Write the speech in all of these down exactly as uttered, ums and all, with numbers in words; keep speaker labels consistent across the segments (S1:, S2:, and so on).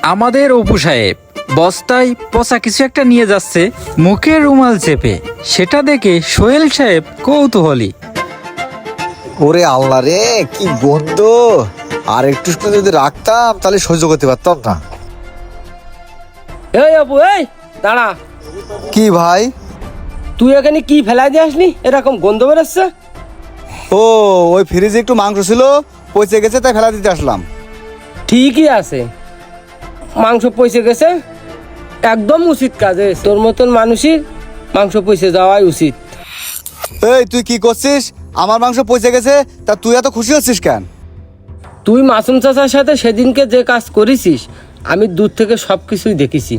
S1: আমাদের অপু সাহেব বস্তায় পচা কিছু একটা নিয়ে যাচ্ছে, মুখে রুমাল চেপে। সেটা দেখে সোহেল সাহেব কৌতূহলী।
S2: ওরে আল্লাহ রে, কি গন্ধ! আর একটু সময় যদি রাখতাম তাহলে সহ্য করতে পারতাম না।
S3: এই অপু, এই দাঁড়া।
S2: কি ভাই?
S3: তুই এখানে কি ফেলাই দিয়ে আসলি? এরকম গন্ধ বেরোচ্ছে।
S2: ও, ওই ফ্রিজে একটু মাংস ছিল, পচে গেছে, তাই ফেলা দিতে আসলাম।
S3: ঠিকই আছে, মাংস পচে গেছে, একদম উচিত কাজে। তোর মতন মানুষই মাংস পচে যাওয়াই উচিত।
S2: এই তুই কি করছিস? আমার মাংস পচে গেছে, তা তুই এত খুশি হচ্ছিস কেন?
S3: তুই মাসুম চাচার সাথে সেদিনকে যে কাজ করেছিস, আমি দূর থেকে সব কিছুই দেখেছি।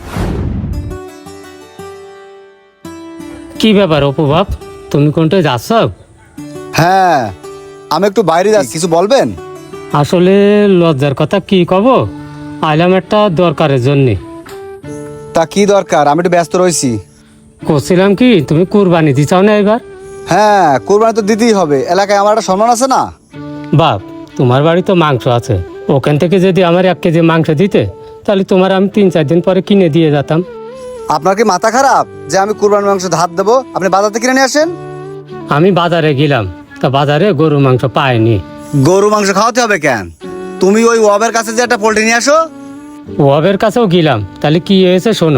S4: কি ব্যাপার অপু বাপ, তুমি কোনটায় যাচ্ছ?
S2: হ্যাঁ, আমি একটু বাইরে যাচ্ছি, কিছু বলবেন?
S4: আসলে লজ্জার কথা কি কব, আইলাম একটা দরকারের জন্যে।
S2: তা কি দরকার? আমি একটু ব্যস্ত রয়েছি।
S4: করছিলাম কি, তুমি কুরবানি দিছাও না এবার?
S2: হ্যাঁ, কোরবানি তো দিতেই হবে, এলাকায় আমার একটা সম্মান আছে না?
S4: বাপ, তোমার বাড়ি তো মাংস আছে, ওখান থেকে যদি আমার এক কেজি মাংস দিতে, তাহলে তোমার আমি তিন চার দিন পরে কিনে দিয়ে যেতাম।
S2: আপনার কি মাথা খারাপ যে আমি কুরবানির মাংস ধার দেবো? আপনি বাজার থেকে কিনে নিয়ে আসেন।
S4: আমি বাজারে গেলাম, তা বাজারে গরু মাংস পাইনি।
S2: গরু মাংস খাওয়াতে হবে কেন? তুমি ওই ওয়াবের কাছে যে একটা পোল্ট্রি নিয়ে আসো।
S4: ওয়াবের কাছেও গেলাম, তাহলে কি হয়েছে শোনো।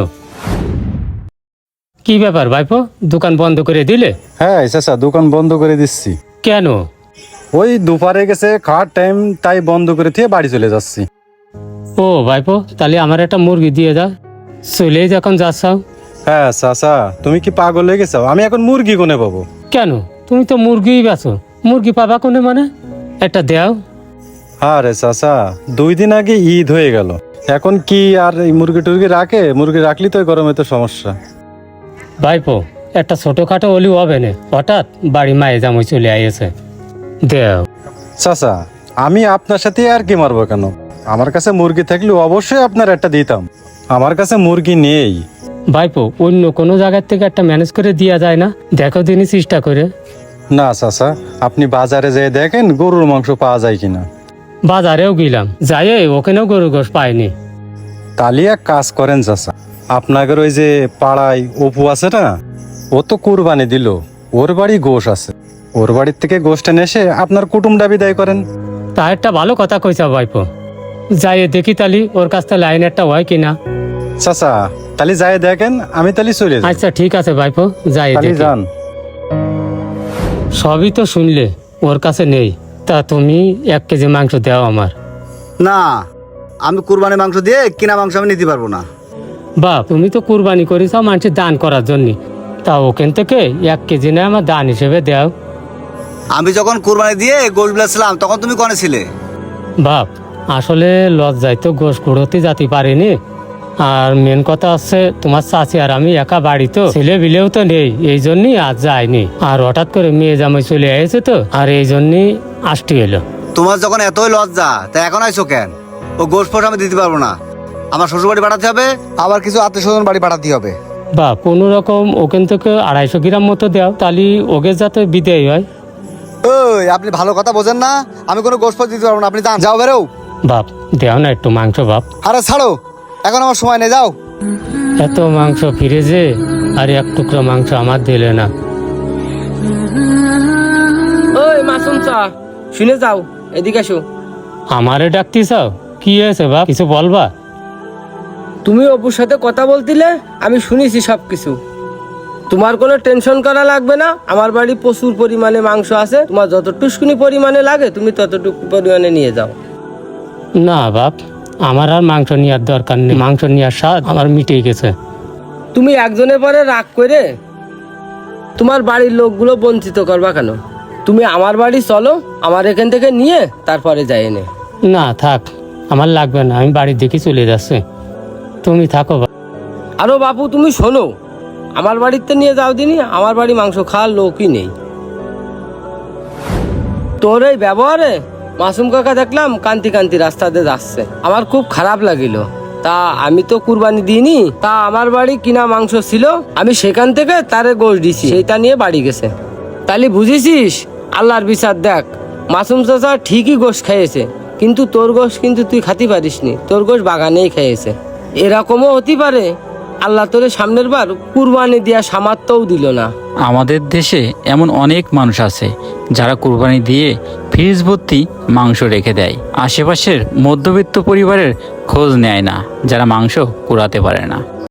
S4: কি ব্যাপার ভাইপো, দোকান বন্ধ করে দিলে?
S5: হ্যাঁ চাচা, দোকান বন্ধ করে দিচ্ছি।
S4: কেন?
S5: ওই দুপারে গেছে খাওয়ার টাইম, তাই বন্ধ করে দিয়ে বাড়ি চলে যাচ্ছি।
S4: ও ভাইপো, তাহলে আমার একটা মুরগি দিয়ে দাও, চলেই যখন যাচ্ছাও।
S5: হ্যাঁ চাচা, তুমি কি পাগল হয়ে গেছো? আমি এখন মুরগি কোনে পাবো?
S4: কেন, তুমি তো মুরগিই বেচো, মুরগি পাবা কোনে মানে? একটা দেও।
S5: আরে চাচা, দুই দিন আগে ঈদ হয়ে গেল, এখন কি আর এই মুরগি টুরগি রাখে? মুরগি রাখলি তো গরমে তো সমস্যা।
S4: ভাইপো, একটা ছোটখাটো অলি হবে না, হঠাৎ বাড়ি মায়ে জামাই চলে আইছে, দেও।
S5: চাচা, আমি আপনার সাথে আর কি মারবো কেন? আমার কাছে মুরগি থাকলে অবশ্যই আপনার একটা দিতাম, আমার কাছে মুরগি নেই।
S4: ভাইপো, অন্য কোনো জায়গার থেকে একটা ম্যানেজ করে দেওয়া যায় না? দেখো দিনই চেষ্টা করে।
S5: না চাচা, আপনি বাজারে যেয়ে দেখেন গরুর মাংস পাওয়া যায় কিনা।
S4: বাজারেও গেলাম, যাই ওখানেও গরু গোশ পাইনি।
S5: তাহলে এক কাজ করেন চাচা, আপনাদের ওই যে পাড়ায় অপু আছে না, ও তো কুরবানি দিল, ওর বাড়ি গোশ আছে, ওর বাড়ির থেকে গোশটা এসে আপনার কুটুমটা বিদায় করেন।
S4: তা একটা ভালো কথা কইছা ভাইপো, যাই দেখি তালি ওর কাছ থেকে লাইন একটা হয় কিনা।
S5: চাচা তাহলে যাই দেখেন, আমি তাহলে চলে যাই।
S4: আচ্ছা ঠিক আছে ভাইপো, যাই
S5: তাহলে
S4: দেখি।
S5: যান।
S4: সবই তো শুনলে, ওর কাছে নেই, তা তুমি এক কেজি মাংস দাও আমার।
S2: না, আমি কুরবানির মাংস দিয়ে কিনা মাংস আমি নিতে পারবো না।
S4: বাপ, তুমি তো কুরবানি করেছো মানুষের দান করার জন্য, তা ওখান থেকে এক কেজি না আমার দান হিসেবে দাও।
S2: আমি যখন কুরবানি দিয়ে গোশ বেচলাম তখন তুমি কনে ছিলে?
S4: বাপ, আসলে লজ্জায় তো গোশ কুড়োতে যেতে পারিনি, আর মেন কথা হচ্ছে তোমার চাচি আর আমি একা বাড়ি, তো ছেলে বিলেও তো নেই, এই জন্যই আজ যায়নি। আর হঠাৎ করে মেয়ে জামাই চলে এসেছে তো, আর এই জন্যই আসতে এলো।
S2: তোমার যখন এতই লজ্জা, তা এখন আইছো কেন? ও গোশ ফোশ আমি দিতে পারবো না, আমার শ্বশুর বাড়ি পাঠাতে হবে, আবার কিছু আত্মীয় স্বজন বাড়ি পাঠাতে হবে।
S4: বা কোনো রকম ওখান থেকে আড়াইশো গ্রাম মতো দাও, তাহলে ওকে যাতে বিদেয় হয়।
S2: ওই, আপনি ভালো কথা বোঝেন না, আমি কোনো গোশ ফোশ দিতে পারবো না, আপনি যান, যাও বেরো।
S4: বাপ, দেও না একটু মাংস বাপ।
S2: আরে ছাড়ো, এখন আমার সময় নেই, যাও।
S4: এত মাংস ফিরেছে, আর এক টুকরো মাংস আমার দিলে না।
S3: ওই মাসুম চা, শুনে যাও, এদিকে আসো।
S4: আমারে ডাকতি চাও? কি হয়েছে বাপ, কিছু বলবা?
S3: তুমি অপুর সাথে কথা বলছিলে, আমি শুনেছি সব কিছু। তোমার কোনো টেনশন করা লাগবে না, আমার বাড়ি প্রচুর পরিমাণে মাংস আছে, তোমার যতটুকুনি পরিমাণে লাগে তুমি ততটুকু পরিমাণে নিয়ে যাও।
S4: না বাপ, আমার আর মাংস নেওয়ার দরকার নেই, মাংস নেওয়ার স্বাদ আমার মিটে গেছে।
S3: তুমি একজনের পরে রাগ করে তোমার বাড়ির লোকগুলো বঞ্চিত করবা কেন? তুমি আমার বাড়ি চলো, আমার এখান থেকে নিয়ে তারপরে যাই এনে।
S4: না থাক, আমার লাগবে না, আমি বাড়ির দিকে চলে যাচ্ছি, তুমি থাকো বাপ।
S3: আরো বাপু, তুমি শোনো, আমার বাড়িতে নিয়ে যাও দিনি, আমার বাড়ি মাংস খাওয়ার লোকই নেই। তোর এই ব্যবহারে মাসুম কাকা দেখলাম কান্তি কান্তি রাস্তাতে যাচ্ছে, আমার খুব খারাপ লাগিল। তা আমি তো কুরবানি দিইনি, তা আমার বাড়ি কিনা মাংস ছিল, আমি সেখান থেকে তারে গোশ দিছি, সেইটা নিয়ে বাড়ি গেছে। তাহলে বুঝেছিস, আল্লাহর বিচার দেখ, মাসুম চাচা ঠিকই গোশ খেয়েছে, কিন্তু তোর গোশ কিন্তু তুই খাতি পারিসনি, তোর গোশ বাগানেই খেয়েছে। এরকমও হতে পারে আল্লাহ তোরে সামনের বার কুরবানি দেওয়া সামর্থ্যও দিল না।
S1: আমাদের দেশে এমন অনেক মানুষ আছে যারা কুরবানি দিয়ে ফ্রিজ ভর্তি মাংস রেখে দেয়, আশেপাশের মধ্যবিত্ত পরিবারের খোঁজ নেয় না, যারা মাংস কুড়াতে পারে না।